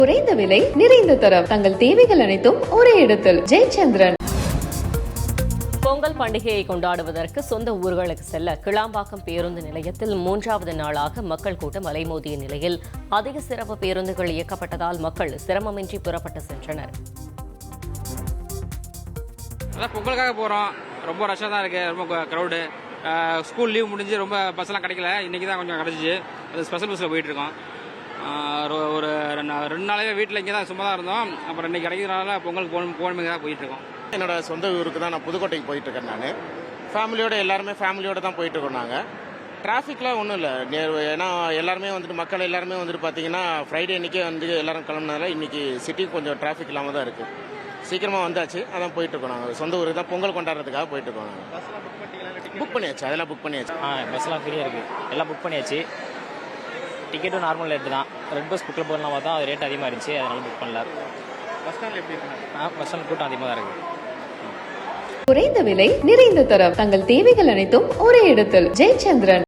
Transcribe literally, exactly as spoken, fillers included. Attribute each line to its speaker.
Speaker 1: குறைந்த விலை நிறைந்த தரம் தங்கள் தேவைகள் அனைத்தும் ஒரே இடத்தில். ஜெயச்சந்திரன்.
Speaker 2: பொங்கல் பண்டிகையை கொண்டாடுவதற்கு சொந்த ஊர்களுக்கு செல்ல கிளாம்பாக்கம் பேருந்து நிலையத்தில் மூன்றாவது நாளாக மக்கள் கூட்டம் அலைமோதிய நிலையில் அதிக சிறப்பு பேருந்துகள் இயக்கப்பட்டதால் மக்கள் சிரமமின்றி புறப்பட்டு சென்றனர்.
Speaker 3: அதான் பொங்கலுக்காக போகிறோம். ரொம்ப ரஷ்ஷாக தான் இருக்குது. ரொம்ப க்ரௌடு. ஸ்கூல் லீவ் முடிஞ்சு ரொம்ப பஸ்ஸெல்லாம் கிடைக்கல. இன்றைக்கி தான் கொஞ்சம் கிடச்சிச்சு. அது ஸ்பெஷல் பஸ்ஸில் போயிட்டுருக்கோம். ஒரு ரெண்டு நாளாவே வீட்டில் இங்கே தான் சும்மா தான் இருந்தோம். அப்புறம் இன்றைக்கி கிடைக்கிறதுனால பொங்கலுக்கு போகணும் போகணுமே தான் போயிட்டுருக்கோம்.
Speaker 4: என்னோட சொந்த ஊருக்கு தான் நான் புதுக்கோட்டைக்கு போயிட்டுருக்கேன். நான் ஃபேமிலியோட எல்லாருமே ஃபேமிலியோடு தான் போயிட்டுருக்கோம். நாங்கள் டிராஃபிக்லாம் ஒன்றும் இல்லை. ஏன்னா எல்லாருமே வந்துட்டு மக்கள் எல்லாருமே வந்துட்டு பார்த்தீங்கன்னா ஃப்ரைடே இன்றைக்கே வந்து எல்லோரும் கிளம்புனதால இன்றைக்கி சிட்டி கொஞ்சம் டிராஃபிக் இல்லாமல் தான் இருக்குது. சீக்கிரமாக வந்தாச்சு. அதான் போயிட்டுருக்கோம். நாங்கள் சொந்த ஊருக்கு தான் பொங்கல் கொண்டாடுறதுக்காக போயிட்டுருக்கோம். நாங்கள் புக் பண்ணியாச்சு. அதெல்லாம் புக் பண்ணியாச்சு.
Speaker 5: ஆ பஸ்லாம் ஃப்ரீயாக இருக்குது. எல்லாம் புக் பண்ணியாச்சு. டிக்கெட்டும் நார்மல் ரேட்டு தான். ரெட் பஸ் புக்கில் போகலாம் பார்த்தா அது ரேட் அதிகமாக இருந்துச்சு. அதனால புக் பண்ணல.
Speaker 4: பஸ் ஸ்டாண்ட் எப்படி இருக்கு?
Speaker 5: ஆ பஸ் ஸ்டாண்ட் கூட்டம் அதிகமாக தான் இருக்குது.
Speaker 1: குறைந்த விலை நிறைந்த தரம் தங்கள் தேவைகள் அனைத்தும் ஒரே இடத்தில். ஜெயச்சந்திரன்.